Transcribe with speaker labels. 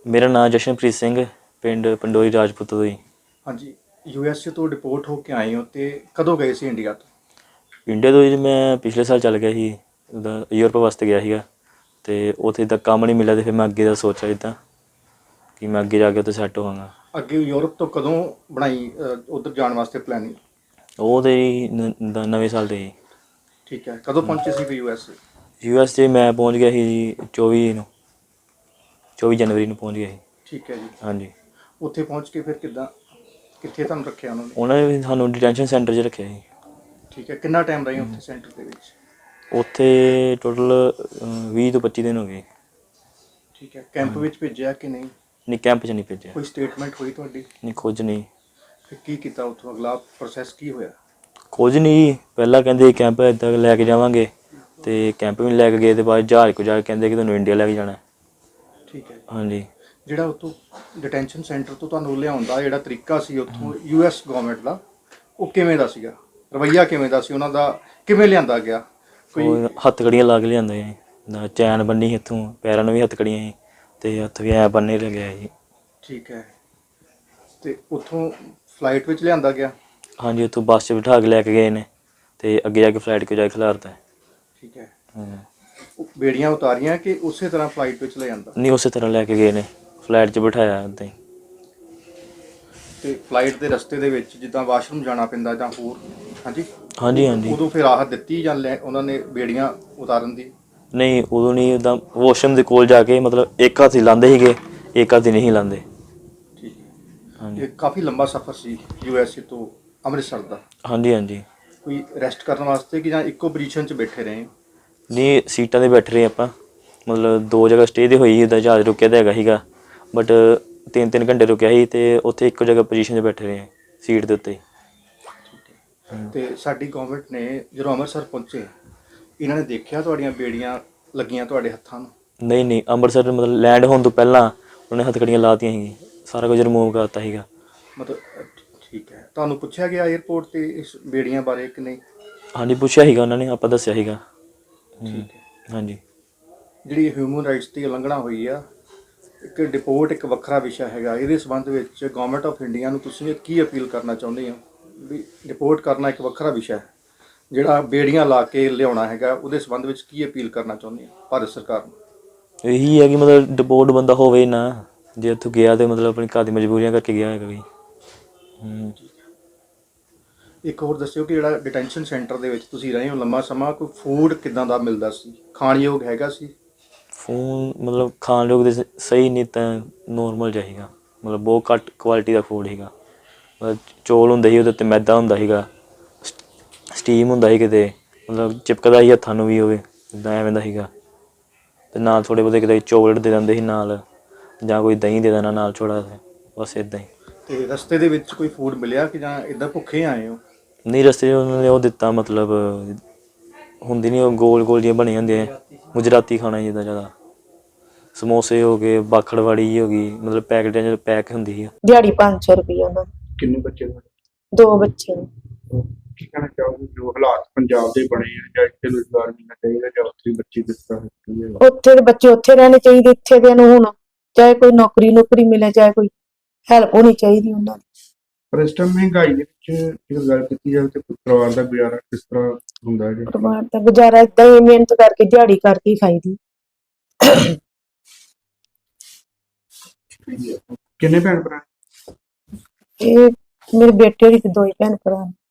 Speaker 1: ਮੇਰਾ ਨਾਮ ਜਸ਼ਨਪ੍ਰੀਤ ਸਿੰਘ, ਪਿੰਡ ਪੰਡੋਰੀ ਰਾਜਪੂਤ ਤੋਂ ਜੀ।
Speaker 2: ਹਾਂਜੀ, ਯੂਐਸਏ ਤੋਂ ਡਿਪੋਰਟ ਹੋ ਕੇ ਆਏ ਹੋ ਤੇ ਕਦੋਂ ਗਏ ਸੀ ਇੰਡੀਆ ਤੋਂ?
Speaker 1: ਇੰਡੀਆ ਤੋਂ ਜੀ ਮੈਂ ਪਿਛਲੇ ਸਾਲ ਚੱਲ ਗਿਆ ਸੀ, ਉੱਦਾਂ ਯੂਰਪ ਵਾਸਤੇ ਗਿਆ ਸੀਗਾ ਅਤੇ ਉੱਥੇ ਤਾਂ ਕੰਮ ਨਹੀਂ ਮਿਲਿਆ ਅਤੇ ਫਿਰ ਮੈਂ ਅੱਗੇ ਦਾ ਸੋਚਿਆ ਇੱਦਾਂ ਕਿ ਮੈਂ ਅੱਗੇ ਜਾ ਕੇ ਉੱਥੇ ਸੈੱਟ ਹੋਵਾਂਗਾ।
Speaker 2: ਅੱਗੇ ਯੂਰਪ ਤੋਂ ਕਦੋਂ ਬਣਾਈ ਉੱਧਰ ਜਾਣ ਵਾਸਤੇ ਪਲੈਨਿੰਗ?
Speaker 1: ਉਹ ਤਾਂ ਜੀ ਨਵੇਂ ਸਾਲ 'ਤੇ ਜੀ।
Speaker 2: ਠੀਕ ਹੈ, ਕਦੋਂ ਪਹੁੰਚੇ ਸੀ ਫਿਰ ਯੂਐਸਏ?
Speaker 1: US 'ਚ ਮੈਂ ਪਹੁੰਚ ਗਿਆ ਸੀ ਜੀ 24 ਜਨਵਰੀ ਨੂੰ ਪਹੁੰਚ ਗਿਆ ਸੀ।
Speaker 2: ਠੀਕ ਹੈ ਜੀ।
Speaker 1: ਹਾਂਜੀ।
Speaker 2: ਉੱਥੇ ਪਹੁੰਚ ਕੇ ਫਿਰ ਕਿੱਥੇ ਤੁਹਾਨੂੰ ਰੱਖਿਆ ਉਹਨਾਂ ਨੇ?
Speaker 1: ਉਹਨਾਂ ਨੇ ਵੀ ਸਾਨੂੰ ਡਿਟੈਂਸ਼ਨ ਸੈਂਟਰ 'ਚ ਰੱਖਿਆ ਸੀ।
Speaker 2: ਠੀਕ ਹੈ, ਕਿੰਨਾ ਟਾਈਮ ਰਹੇ ਉੱਥੇ ਸੈਂਟਰ ਦੇ ਵਿੱਚ?
Speaker 1: ਉੱਥੇ ਟੋਟਲ 20 ਤੋਂ 25 ਦਿਨ ਹੋ ਗਏ।
Speaker 2: ਠੀਕ ਹੈ, ਕੈਂਪ ਵਿੱਚ ਭੇਜਿਆ ਕਿ ਨਹੀਂ?
Speaker 1: ਨਹੀਂ, ਕੈਂਪ 'ਚ ਨਹੀਂ ਭੇਜਿਆ।
Speaker 2: ਕੋਈ ਸਟੇਟਮੈਂਟ ਹੋਈ ਤੁਹਾਡੀ?
Speaker 1: ਨਹੀਂ, ਕੁਝ ਨਹੀਂ।
Speaker 2: ਫਿਰ ਕੀ ਕੀਤਾ ਉੱਥੋਂ, ਅਗਲਾ ਪ੍ਰੋਸੈਸ ਕੀ ਹੋਇਆ?
Speaker 1: ਕੁਝ ਨਹੀਂ, ਪਹਿਲਾਂ ਕਹਿੰਦੇ ਕੈਂਪ ਇੱਦਾਂ ਲੈ ਕੇ ਜਾਵਾਂਗੇ ਅਤੇ ਕੈਂਪ ਵੀ ਲੈ ਕੇ ਗਏ ਅਤੇ ਬਾਅਦ ਜਹਾਜ਼ ਕੋ ਜਾ ਕੇ ਕਹਿੰਦੇ ਕਿ ਤੁਹਾਨੂੰ ਇੰਡੀਆ ਲੈ ਕੇ ਜਾਣਾ।
Speaker 2: ਠੀਕ ਹੈ।
Speaker 1: ਹਾਂਜੀ।
Speaker 2: ਜਿਹੜਾ ਉੱਥੋਂ ਡਿਟੈਂਸ਼ਨ ਸੈਂਟਰ ਤੋਂ ਤੁਹਾਨੂੰ ਲਿਆਉਣ ਦਾ ਜਿਹੜਾ ਤਰੀਕਾ ਸੀ ਉੱਥੋਂ US ਗਵਰਨਮੈਂਟ ਦਾ, ਉਹ ਕਿਵੇਂ ਦਾ ਸੀਗਾ? ਰਵੱਈਆ ਕਿਵੇਂ ਦਾ ਸੀ ਉਹਨਾਂ ਦਾ? ਕਿਵੇਂ ਲਿਆਂਦਾ ਗਿਆ?
Speaker 1: ਉਹ ਹੱਥਕੜੀਆਂ ਲਾ ਕੇ ਲਿਆਂਦੇ ਸੀ, ਚੈਨ ਬੰਨੀ ਸੀ ਇੱਥੋਂ, ਪੈਰਾਂ ਨੂੰ ਵੀ ਹੱਥਕੜੀਆਂ ਸੀ ਅਤੇ ਹੱਥ ਵੀ ਐਂ ਬੰਨ੍ਹੇ ਲੱਗਿਆ ਸੀ।
Speaker 2: ਠੀਕ ਹੈ, ਅਤੇ ਉੱਥੋਂ ਫਲਾਈਟ ਵਿੱਚ ਲਿਆਂਦਾ ਗਿਆ?
Speaker 1: ਹਾਂਜੀ, ਉੱਥੋਂ ਬੱਸ 'ਚ ਬਿਠਾ ਕੇ ਲੈ ਕੇ ਗਏ ਨੇ ਅਤੇ ਅੱਗੇ ਜਾ ਕੇ ਫਲਾਈਟ 'ਚ ਜਾ ਕੇ ਖਿਲਾਰਤਾ।
Speaker 2: ਠੀਕ ਹੈ। ਬੇੜੀਆਂ ਉਤਾਰੀਆਂ ਕਿ ਉਸੇ ਤਰ੍ਹਾਂ ਫਲਾਈਟ ਵਿੱਚ ਲੈ ਜਾਂਦਾ?
Speaker 1: ਨਹੀਂ, ਉਸੇ ਤਰ੍ਹਾਂ ਲੈ ਕੇ ਗਏ ਨੇ, ਫਲਾਈਟ 'ਚ ਬਿਠਾਇਆ ਉੱਦਾਂ ਹੀ।
Speaker 2: ਅਤੇ ਫਲਾਈਟ ਦੇ ਰਸਤੇ ਦੇ ਵਿੱਚ ਜਿੱਦਾਂ ਵਾਸ਼ਰੂਮ ਜਾਣਾ ਪੈਂਦਾ ਜਾਂ ਹੋਰ? ਹਾਂਜੀ
Speaker 1: ਹਾਂਜੀ।
Speaker 2: ਉਦੋਂ ਫਿਰ ਰਾਹਤ ਦਿੱਤੀ ਜਾਂ ਉਹਨਾਂ ਨੇ ਬੇੜੀਆਂ ਉਤਾਰਨ ਦੀ?
Speaker 1: ਨਹੀਂ, ਉਦੋਂ ਨਹੀਂ। ਉੱਦਾਂ ਵਾਸ਼ਰੂਮ ਦੇ ਕੋਲ ਜਾ ਕੇ ਮਤਲਬ ਇੱਕ ਹੱਥ ਹੀ ਲਾਉਂਦੇ ਸੀਗੇ, ਇੱਕ ਹੱਥ ਹੀ ਨਹੀਂ ਲਾਉਂਦੇ।
Speaker 2: ਠੀਕ ਹੈ।
Speaker 1: ਹਾਂਜੀ।
Speaker 2: ਇਹ ਕਾਫੀ ਲੰਬਾ ਸਫ਼ਰ ਸੀ USA ਤੋਂ ਅੰਮ੍ਰਿਤਸਰ ਦਾ?
Speaker 1: ਹਾਂਜੀ।
Speaker 2: ਕੋਈ ਰੈਸਟ ਕਰਨ ਵਾਸਤੇ ਕਿ ਜਾਂ ਇੱਕੋ ਪੋਜੀਸ਼ਨ 'ਚ ਬੈਠੇ ਰਹੇ?
Speaker 1: ਨਹੀਂ, ਸੀਟਾਂ 'ਤੇ ਬੈਠੇ ਰਹੇ ਆਪਾਂ, ਮਤਲਬ 2 ਜਗ੍ਹਾ ਸਟੇ 'ਤੇ ਹੋਈ, ਉੱਦਾਂ ਜਹਾਜ਼ ਰੁਕਿਆ ਤਾਂ ਹੈਗਾ ਸੀਗਾ ਬਟ 3 ਘੰਟੇ ਰੁਕਿਆ ਸੀ ਅਤੇ ਉੱਥੇ ਇੱਕੋ ਜਗ੍ਹਾ ਪੋਜੀਸ਼ਨ 'ਤੇ ਬੈਠੇ ਰਹੇ ਸੀਟ ਦੇ ਉੱਤੇ।
Speaker 2: ਅਤੇ ਸਾਡੀ ਗੌਰਮੈਂਟ ਨੇ ਜਦੋਂ ਅੰਮ੍ਰਿਤਸਰ ਪਹੁੰਚੇ, ਇਹਨਾਂ ਨੇ ਦੇਖਿਆ ਤੁਹਾਡੀਆਂ ਬੇੜੀਆਂ ਲੱਗੀਆਂ ਤੁਹਾਡੇ ਹੱਥਾਂ ਨੂੰ?
Speaker 1: ਨਹੀਂ, ਅੰਮ੍ਰਿਤਸਰ ਮਤਲਬ ਲੈਂਡ ਹੋਣ ਤੋਂ ਪਹਿਲਾਂ ਉਹਨੇ ਹੱਥਕੜੀਆਂ ਲਾਤੀਆਂ ਸੀ, ਸਾਰਾ ਕੁਝ ਰਿਮੂਵ ਕਰਤਾ ਸੀਗਾ।
Speaker 2: ਮਤਲਬ ਠੀਕ ਹੈ, ਤੁਹਾਨੂੰ ਪੁੱਛਿਆ ਗਿਆ ਏਅਰਪੋਰਟ 'ਤੇ ਇਸ ਬੇੜੀਆਂ ਬਾਰੇ ਕਿ ਨਹੀਂ?
Speaker 1: ਹਾਂਜੀ, ਪੁੱਛਿਆ ਸੀਗਾ ਉਹਨਾਂ ਨੇ, ਆਪਾਂ ਦੱਸਿਆ ਸੀਗਾ।
Speaker 2: ਠੀਕ ਹੈ।
Speaker 1: ਹਾਂਜੀ।
Speaker 2: ਜਿਹੜੀ ਹਿਊਮਨ ਰਾਈਟਸ ਦੀ ਉਲੰਘਣਾ ਹੋਈ ਆ, ਇੱਕ ਡਿਪੋਰਟ ਇੱਕ ਵੱਖਰਾ ਵਿਸ਼ਾ ਹੈਗਾ, ਇਹਦੇ ਸੰਬੰਧ ਵਿੱਚ ਗੌਰਮੈਂਟ ਆਫ ਇੰਡੀਆ ਨੂੰ ਤੁਸੀਂ ਕੀ ਅਪੀਲ ਕਰਨਾ ਚਾਹੁੰਦੇ ਹੋ? ਵੀ ਡਿਪੋਰਟ ਕਰਨਾ ਇੱਕ ਵੱਖਰਾ ਵਿਸ਼ਾ ਹੈ, ਜਿਹੜਾ ਬੇੜੀਆਂ ਲਾ ਕੇ ਲਿਆਉਣਾ ਹੈਗਾ, ਉਹਦੇ ਸੰਬੰਧ ਵਿੱਚ ਕੀ ਅਪੀਲ ਕਰਨਾ ਚਾਹੁੰਦੇ ਹੋ ਭਾਰਤ ਸਰਕਾਰ ਨੂੰ?
Speaker 1: ਇਹੀ ਹੈ ਕਿ ਮਤਲਬ ਡਿਪੋਰਟ ਬੰਦਾ ਹੋਵੇ ਨਾ, ਜੇ ਉੱਥੋਂ ਗਿਆ ਤਾਂ ਮਤਲਬ ਆਪਣੀ ਘਰ ਦੀ ਮਜਬੂਰੀਆਂ ਕਰਕੇ ਗਿਆ ਹੈਗਾ ਵੀ।
Speaker 2: ਇੱਕ ਹੋਰ ਦੱਸਿਓ ਕਿ ਜਿਹੜਾ ਡਿਟੈਂਸ਼ਨ ਸੈਂਟਰ ਦੇ ਵਿੱਚ ਤੁਸੀਂ ਰਹੇ ਹੋ ਲੰਮਾ ਸਮਾਂ, ਕੋਈ ਫੂਡ ਕਿੱਦਾਂ ਦਾ ਮਿਲਦਾ ਸੀ? ਖਾਣਯੋਗ ਹੈਗਾ ਸੀ?
Speaker 1: ਫੂਡ ਮਤਲਬ ਖਾਣ ਯੋਗ ਦੇ ਸਹੀ ਨਹੀਂ ਤਾਂ ਨੋਰਮਲ ਜਿਹਾ ਸੀਗਾ, ਮਤਲਬ ਬਹੁਤ ਘੱਟ ਕੁਆਲਿਟੀ ਦਾ ਫੂਡ ਸੀਗਾ। ਮਤਲਬ ਚੌਲ ਹੁੰਦੇ ਸੀ, ਉਹਦੇ ਉੱਤੇ ਮੈਦਾ ਹੁੰਦਾ ਸੀਗਾ, ਸਟੀਮ ਹੁੰਦਾ ਸੀ ਕਿਤੇ, ਮਤਲਬ ਚਿਪਕਦਾ ਸੀ ਹੱਥਾਂ ਨੂੰ ਵੀ ਹੋਵੇ, ਇੱਦਾਂ ਐਵੇਂ ਦਾ ਸੀਗਾ। ਅਤੇ ਨਾਲ ਥੋੜ੍ਹੇ ਬਹੁਤੇ ਕਿਤੇ ਚੋਕਲੇਟ ਦੇ ਦਿੰਦੇ ਸੀ ਨਾਲ, ਜਾਂ ਕੋਈ ਦਹੀਂ ਦੇ ਦੇਣਾ ਨਾਲ ਥੋੜ੍ਹਾ ਜਿਹਾ, ਬਸ ਇੱਦਾਂ ਹੀ।
Speaker 2: ਅਤੇ ਰਸਤੇ ਦੇ ਵਿੱਚ ਕੋਈ ਫੂਡ ਮਿਲਿਆ ਕਿ ਜਾਂ ਇੱਦਾਂ ਭੁੱਖੇ ਆਏ ਹੋ?
Speaker 1: ਨਹੀਂ, ਰਸਤੇ 'ਚ ਉਹਨਾਂ ਨੇ ਉਹ ਦਿੱਤਾ, ਮਤਲਬ ਹੁੰਦੀ ਨਹੀਂ ਉਹ ਗੋਲ ਜਿਹੀਆਂ ਬਣੀਆਂ ਹੁੰਦੀਆਂ ਗੁਜਰਾਤੀ ਖਾਣਾ ਜਿੱਦਾਂ ਜ਼ਿਆਦਾ, ਸਮੋਸੇ ਹੋ ਗਏ, ਬਾਖੜਵਾੜੀ ਜਿਹੀ ਹੋ ਗਈ, ਮਤਲਬ ਪੈਕਟਾਂ 'ਚ ਪੈਕ ਹੁੰਦੀ ਸੀ।
Speaker 3: ਦਿਹਾੜੀ 500 ਰੁਪਏ ਉਹਨਾਂ ਦੀ।
Speaker 2: ਕਿੰਨੇ ਬੱਚੇ ਤੁਹਾਡੇ?
Speaker 3: 2 ਬੱਚੇ ਨੇ।
Speaker 2: ਕੀ ਕਹਿਣਾ ਚਾਹੋਗੇ ਜੋ ਹਾਲਾਤ ਪੰਜਾਬ ਦੇ ਬਣੇ ਆ, ਜਾਂ ਇੱਥੇ ਰੁਜ਼ਗਾਰ ਮਿਲਣਾ ਚਾਹੀਦਾ ਜਾਂ ਉੱਥੇ ਬੱਚੇ ਕਿਸ ਤਰ੍ਹਾਂ?
Speaker 3: ਉੱਥੇ ਦੇ ਬੱਚੇ ਉੱਥੇ ਰਹਿਣੇ ਚਾਹੀਦੇ, ਇੱਥੇ ਦੇ ਨੂੰ ਹੁਣ ਚਾਹੇ ਕੋਈ ਨੌਕਰੀ ਮਿਲੇ, ਚਾਹੇ ਕੋਈ ਹੈਲਪ ਹੋਣੀ ਚਾਹੀਦੀ ਉਹਨਾਂ ਦੀ।
Speaker 2: ਪਰ ਇਸ ਟਾਈਮ ਮਹਿੰਗਾਈ ਦੇ ਵਿੱਚ ਜੇਕਰ ਗੱਲ ਕੀਤੀ ਜਾਵੇ ਤਾਂ ਪਰਿਵਾਰ ਦਾ ਗੁਜ਼ਾਰਾ ਕਿਸ ਤਰ੍ਹਾਂ ਹੁੰਦਾ ਹੈ?
Speaker 3: ਪਰਿਵਾਰ ਦਾ ਗੁਜ਼ਾਰਾ ਏਦਾਂ ਹੀ ਮਿਹਨਤ ਕਰਕੇ ਦਿਹਾੜੀ ਕਰਕੇ ਹੀ ਖਾਈਦੀ।
Speaker 2: ਕਿੰਨੇ ਭੈਣ ਭਰਾ?
Speaker 3: ਇਹ ਮੇਰੇ ਬੇਟੇ ਦੀ 2 ਭੈਣ ਭਰਾ ਨੇ।